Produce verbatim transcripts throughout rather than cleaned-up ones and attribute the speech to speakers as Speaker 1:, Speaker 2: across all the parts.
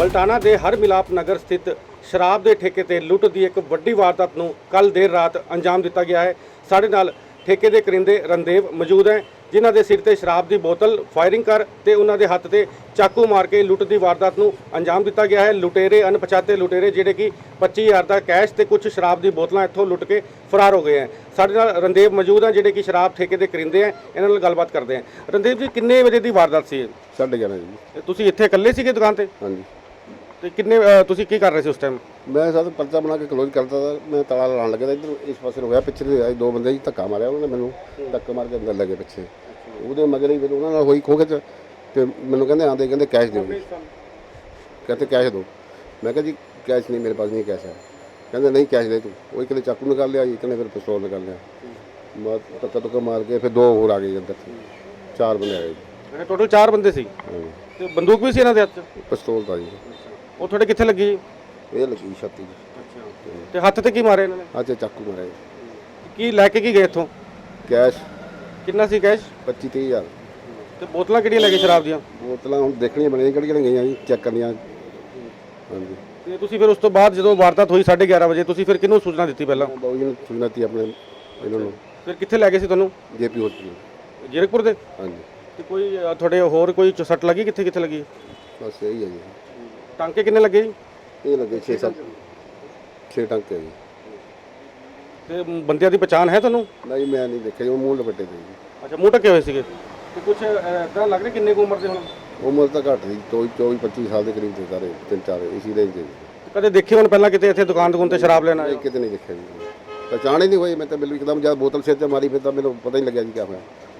Speaker 1: ਬਲਟਾਣਾ ਦੇ ਹਰ ਮਿਲਾਪ ਨਗਰ ਸਥਿਤ ਸ਼ਰਾਬ ਦੇ ਠੇਕੇ ਤੇ ਲੁੱਟ ਦੀ ਇੱਕ ਵੱਡੀ ਵਾਰਦਾਤ ਨੂੰ ਕੱਲ ਦੇਰ ਰਾਤ ਅੰਜਾਮ ਦਿੱਤਾ ਗਿਆ ਹੈ। ਸਾਡੇ ਨਾਲ ਠੇਕੇ ਦੇ ਕਰਿੰਦੇ ਰਣਦੇਵ ਮੌਜੂਦ ਹੈ, ਜਿਨ੍ਹਾਂ ਦੇ ਸਿਰ ਤੇ ਸ਼ਰਾਬ ਦੀ ਬੋਤਲ ਫਾਇਰਿੰਗ ਕਰ ਤੇ ਉਹਨਾਂ ਦੇ ਹੱਥ ਤੇ ਚਾਕੂ ਮਾਰ ਕੇ ਲੁੱਟ ਦੀ ਵਾਰਦਾਤ ਨੂੰ ਅੰਜਾਮ ਦਿੱਤਾ ਗਿਆ ਹੈ। ਲੁਟੇਰੇ ਅਣਪਛਾਤੇ ਲੁਟੇਰੇ ਜਿਹੜੇ ਕਿ ਪੱਚੀ ਹਜ਼ਾਰ ਦਾ ਕੈਸ਼ ਤੇ ਕੁਝ ਸ਼ਰਾਬ ਦੀ ਬੋਤਲਾਂ ਇੱਥੋਂ ਲੁੱਟ ਕੇ ਫਰਾਰ ਹੋ ਗਏ ਹਨ। ਸਾਡੇ ਨਾਲ ਰਣਦੇਵ ਮੌਜੂਦ ਹੈ, ਜਿਹੜੇ ਕਿ ਸ਼ਰਾਬ ਠੇਕੇ ਦੇ ਕਰਿੰਦੇ ਹੈ। ਇਹਨਾਂ ਨਾਲ ਗੱਲਬਾਤ ਕਰਦੇ ਹਾਂ। ਰਣਦੇਵ ਜੀ, ਕਿੰਨੇ ਵਜੇ ਦੀ ਵਾਰਦਾਤ ਸੀ ਇਹ?
Speaker 2: ਸਾਢੇ ਗਿਆਰਾਂ ਜੀ।
Speaker 1: ਤੁਸੀਂ ਇੱਥੇ ਇਕੱਲੇ ਸੀਗੇ ਦੁਕਾਨ ਤੇ?
Speaker 2: ਹਾਂਜੀ।
Speaker 1: ਤੇ ਕਿੰਨੇ ਅ, ਤੁਸੀਂ ਕੀ ਕਰ ਰਹੇ ਸੀ ਉਸ ਟਾਈਮ?
Speaker 2: ਮੈਂ ਸਾਡਾ ਪਰਚਾ ਬਣਾ ਕੇ ਕਲੋਜ਼ ਕਰਤਾ ਤਾ। ਮੈਂ ਤਾਲਾ ਲਾਉਣ ਲੱਗਿਆ ਤਾਂ ਇੱਧਰ ਇਸ ਪਾਸੇ ਨੂੰ ਹੋਇਆ, ਪਿੱਛੇ ਦੇ ਆਏ ਦੋ ਬੰਦੇ ਜੀ, ਧੱਕਾ ਮਾਰਿਆ ਉਹਨਾਂ ਨੇ ਮੈਨੂੰ, ਧੱਕਾ ਮਾਰ ਕੇ ਅੰਦਰ ਲੱਗੇ ਪਿੱਛੇ। ਉਹਦੇ ਮਗਰ ਹੀ ਫਿਰ ਉਹਨਾਂ ਨਾਲ ਹੋਈ ਖੋ ਕੇ ਤੇ ਮੈਨੂੰ ਕਹਿੰਦੇ ਆਂਦੇ ਕਹਿੰਦੇ ਕੈਸ਼ ਦਿਓ ਜੀ। ਕਹਿੰਦੇ ਕੈਸ਼ ਦਿਓ। ਮੈਂ ਕਿਹਾ ਜੀ ਕੈਸ਼ ਨਹੀਂ, ਮੇਰੇ ਪਾਸ ਨਹੀਂ ਕੈਸ਼ ਹੈ। ਕਹਿੰਦੇ ਨਹੀਂ ਕੈਸ਼ ਦੇ ਤੂੰ। ਉਹ ਇੱਕ ਨੇ ਚਾਕੂ ਨਿਕਾਲ ਲਿਆ ਜੀ, ਇੱਕ ਨੇ ਫਿਰ ਪਿਸਤੌਲ ਨਿਕਾਲ ਲਿਆ। ਮੈਂ ਧੱਕਾ ਧੁੱਕਾ ਮਾਰ ਕੇ ਫਿਰ ਦੋ ਹੋਰ ਆ ਗਏ ਅੰਦਰ, ਚਾਰ ਬੰਦੇ ਆ ਗਏ ਜੀ।
Speaker 1: ਟੋਟਲ ਚਾਰ ਬੰਦੇ ਸੀ ਤੇ ਬੰਦੂਕ ਵੀ ਸੀ ਇਹਨਾਂ ਦੇ ਹੱਥ 'ਚ?
Speaker 2: ਪਿਸਤੌਲ ਤਾਂ ਜੀ।
Speaker 1: ਉਹ ਤੁਹਾਡੇ ਕਿੱਥੇ ਲੱਗੀ ਜੀ?
Speaker 2: ਇਹ ਲੱਗੀ ਛਾਤੀ ਜੀ।
Speaker 1: ਤੇ ਹੱਥ ਤੇ ਕੀ ਮਾਰੇ ਇਹਨਾਂ ਨੇ?
Speaker 2: ਅੱਜ ਚਾਕੂ ਮਾਰਿਆ ਜੀ।
Speaker 1: ਕੀ ਲੈ ਕੇ ਕੀ ਗਏ ਇੱਥੋਂ?
Speaker 2: ਕੈਸ਼
Speaker 1: ਕਿੰਨਾ ਸੀ ਕੈਸ਼?
Speaker 2: ਪੱਚੀ ਤੀਹ ਹਜ਼ਾਰ।
Speaker 1: ਤੇ ਬੋਤਲਾਂ ਕਿਹੜੀਆਂ ਲੈ ਗਏ ਸ਼ਰਾਬ ਦੀਆਂ?
Speaker 2: ਬੋਤਲਾਂ ਹੁਣ ਦੇਖਣੀਆਂ ਬਣੀਆਂ ਕਿਹੜੀਆਂ ਗਈਆਂ ਜੀ, ਚੈੱਕ ਕਰਨੀਆਂ। ਹਾਂਜੀ।
Speaker 1: ਤੇ ਤੁਸੀਂ ਫਿਰ ਉਸ ਤੋਂ ਬਾਅਦ ਜਦੋਂ ਵਾਰਦਾਤ ਹੋਈ ਸਾਢੇ ਗਿਆਰਾਂ ਵਜੇ, ਤੁਸੀਂ ਫਿਰ ਕਿਹਨੂੰ ਸੂਚਨਾ ਦਿੱਤੀ ਪਹਿਲਾਂ?
Speaker 2: ਬਾਊ ਜੀ ਨੂੰ ਸੂਚਨਾ ਦਿੱਤੀ ਆਪਣੇ ਇਹਨਾਂ ਨੂੰ।
Speaker 1: ਫਿਰ ਕਿੱਥੇ ਲੈ ਗਏ ਸੀ ਤੁਹਾਨੂੰ?
Speaker 2: JP hospital.
Speaker 1: ਜੀਰਕਪੁਰ ਦੇ?
Speaker 2: ਹਾਂਜੀ।
Speaker 1: ਤੇ ਕੋਈ ਅ, ਤੁਹਾਡੇ ਹੋਰ ਕੋਈ ਸੱਟ ਲੱਗੀ? ਕਿੱਥੇ ਕਿੱਥੇ ਲੱਗੀ?
Speaker 2: ਬਸ ਇਹੀ ਹੈ ਜੀ।
Speaker 1: ਟਾਂਕੇ ਕਿੰਨੇ ਲੱਗੇ ਜੀ?
Speaker 2: ਇਹ ਲੱਗੇ ਛੇ ਸੱਤ ਛੇ ਟੰਕੇ ਜੀ।
Speaker 1: ਤੇ ਬੰਦਿਆਂ ਦੀ ਪਛਾਣ ਹੈ ਤੁਹਾਨੂੰ?
Speaker 2: ਨਹੀਂ ਮੈਂ ਨਹੀਂ ਦੇਖਿਆ ਜੀ, ਉਹ ਮੂੰਹ ਲਪੇਟੇ ਤੇ ਜੀ।
Speaker 1: ਅੱਛਾ, ਮੂੰਹ ਢੱਕੇ ਹੋਏ ਸੀਗੇ। ਤੇ ਕੁਝ ਇਦਾਂ ਲੱਗ ਰਿਹਾ ਕਿੰਨੇ ਕੁ ਉਮਰ ਦੇ ਹੁਣ?
Speaker 2: ਉਮਰ ਤਾਂ ਘੱਟ ਸੀ, ਚੌਵੀ ਚੌਵੀ ਪੱਚੀ ਸਾਲ ਦੇ ਕਰੀਬ ਤੇ ਸਾਰੇ, ਤਿੰਨ ਚਾਰ ਇਸੀ ਰੇਂਜ ਦੇ।
Speaker 1: ਕਦੇ ਦੇਖੇ ਹੁਣ ਪਹਿਲਾਂ ਕਿਤੇ ਇੱਥੇ ਦੁਕਾਨ ਦੁਕਾਨ ਤੇ ਸ਼ਰਾਬ ਲੈਣ ਆਏ?
Speaker 2: ਨਹੀਂ, ਕਿਤੇ ਨਹੀਂ ਦੇਖਿਆ ਜੀ। ਪਛਾਣ ਹੀ ਨਹੀਂ ਹੋਈ। ਮੈਂ ਤਾਂ ਬਿਲਕੁਲ ਇੱਕਦਮ ਜਦ ਬੋਤਲ ਸਿਰ ਤੇ ਮਾਰੀ ਫਿਰ ਤਾਂ ਮੈਨੂੰ ਪਤਾ ਹੀ ਲੱਗਿਆ ਜੀ ਕਿਆ ਹੋਇਆ।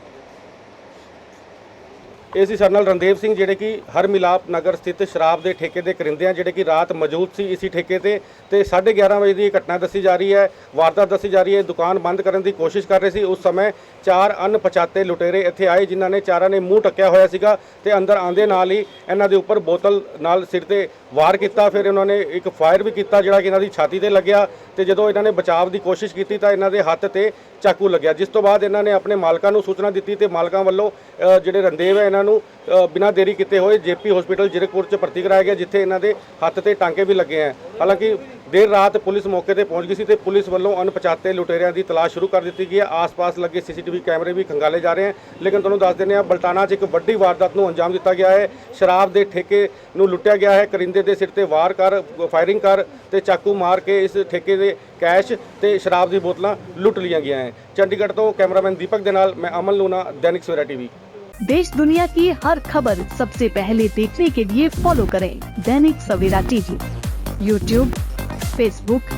Speaker 1: ਇਹ ਸੀ ਸਾਡੇ ਨਾਲ ਰਣਦੇਵ ਸਿੰਘ, ਜਿਹੜੇ ਕਿ ਹਰ ਮਿਲਾਪ ਨਗਰ ਸਥਿਤ ਸ਼ਰਾਬ ਦੇ ਠੇਕੇ ਦੇ ਕਰਿੰਦੇ ਆ, ਜਿਹੜੇ ਕਿ ਰਾਤ ਮੌਜੂਦ ਸੀ ਇਸੀ ਠੇਕੇ ਤੇ ਤੇ ਸਾਢੇ ਗਿਆਰਾਂ ਵਜੇ ਦੀ ਘਟਨਾ ਦੱਸੀ ਜਾ ਰਹੀ ਹੈ, ਵਾਰਦਾਤ ਦੱਸੀ ਜਾ ਰਹੀ ਹੈ। ਦੁਕਾਨ ਬੰਦ ਕਰਨ ਦੀ ਕੋਸ਼ਿਸ਼ ਕਰ ਰਹੇ ਸੀ। ਉਸ ਸਮੇਂ ਚਾਰ ਅਣਪਛਾਤੇ ਲੁਟੇਰੇ ਇੱਥੇ ਆਏ, ਜਿਨ੍ਹਾਂ ਨੇ ਚਾਰਾਂ ਨੇ ਮੂੰਹ ਟੱਕਿਆ ਹੋਇਆ ਸੀਗਾ ਤੇ ਅੰਦਰ ਆਂਦੇ ਨਾਲ ਹੀ ਇਹਨਾਂ ਦੇ ਉੱਪਰ ਬੋਤਲ ਨਾਲ ਸਿਰ ਤੇ ਵਾਰ ਕੀਤਾ। ਫਿਰ ਇਹਨਾਂ ਨੇ ਇੱਕ ਫਾਇਰ ਵੀ ਕੀਤਾ, ਜਿਹੜਾ ਕਿ ਇਹਨਾਂ ਦੀ ਛਾਤੀ ਤੇ ਲੱਗਿਆ। ਤੇ ਜਦੋਂ ਇਹਨਾਂ ਨੇ ਬਚਾਅ ਦੀ ਕੋਸ਼ਿਸ਼ ਕੀਤੀ ਤਾਂ ਇਹਨਾਂ ਦੇ ਹੱਥ ਤੇ ਚਾਕੂ ਲੱਗਿਆ, ਜਿਸ ਤੋਂ ਬਾਅਦ ਇਹਨਾਂ ਨੇ ਆਪਣੇ ਮਾਲਕਾਂ ਨੂੰ ਸੂਚਨਾ ਦਿੱਤੀ ਤੇ ਮਾਲਕਾਂ ਵੱਲੋਂ ਅ, ਜਿਹੜੇ ਰਣਦੇਵ ਹੈ ਇਹਨਾਂ ਨੂੰ ਬਿਨਾਂ ਦੇਰੀ ਕੀਤੇ ਹੋਏ ਜੇਪੀ ਹਸਪੀਟਲ ਜੀਰਕਪੁਰ 'ਚ ਭਰਤੀ ਕਰਾਇਆ ਗਿਆ, ਜਿੱਥੇ ਇਹਨਾਂ ਦੇ ਹੱਥ ਤੇ ਟਾਂਕੇ ਵੀ ਲੱਗੇ ਹੈ। ਹਾਲਾਂਕਿ ਦੇਰ ਰਾਤ ਪੁਲਿਸ ਮੌਕੇ ਤੇ ਪਹੁੰਚ ਗਈ ਸੀ ਤੇ ਪੁਲਿਸ ਵੱਲੋਂ ਅਣਪਛਾਤੇ ਲੁਟੇਰਿਆਂ ਦੀ ਤਲਾਸ਼ ਸ਼ੁਰੂ ਕਰ ਦਿੱਤੀ ਗਈ ਹੈ। ਆਸ-ਪਾਸ ਲੱਗੇ ਸੀਸੀਟੀਵੀ ਕੈਮਰੇ ਵੀ ਖੰਗਾਲੇ ਜਾ ਰਹੇ ਹਨ। ਲੇਕਿਨ ਤੁਹਾਨੂੰ ਦੱਸ ਦਿੰਦੇ ਹਾਂ, ਬਲਟਾਣਾ 'ਚ ਇੱਕ ਵੱਡੀ ਵਾਰਦਾਤ ਨੂੰ ਅੰਜਾਮ ਦਿੱਤਾ ਗਿਆ ਹੈ। ਸ਼ਰਾਬ ਦੇ ਠੇਕੇ ਨੂੰ ਲੁੱਟਿਆ ਗਿਆ ਹੈ। ਕਰਿੰਦੇ ਦੇ ਸਿਰ ਤੇ ਵਾਰ ਕਰ, ਫਾਇਰਿੰਗ ਕਰ ਤੇ ਚਾਕੂ ਮਾਰ ਕੇ ਇਸ ਠੇਕੇ ਦੇ ਕੈਸ਼ ਤੇ ਸ਼ਰਾਬ ਦੀ ਬੋਤਲਾਂ ਲੁੱਟ ਲਈਆਂ ਗਈਆਂ ਹੈ। ਚੰਡੀਗढ़ ਤੋਂ ਕੈਮਰਾਮੈਨ ਦੀਪਕ ਦੇ ਨਾਲ मैं अमन लूना, दैनिक सवेरा टीवी।
Speaker 3: देश दुनिया की हर खबर सबसे पहले देखने के लिए फॉलो करें Dainik Savera TV, YouTube, Facebook,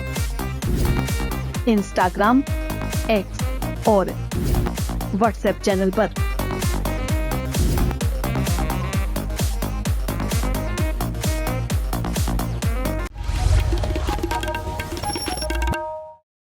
Speaker 3: Instagram, X और व्हाट्सएप चैनल पर।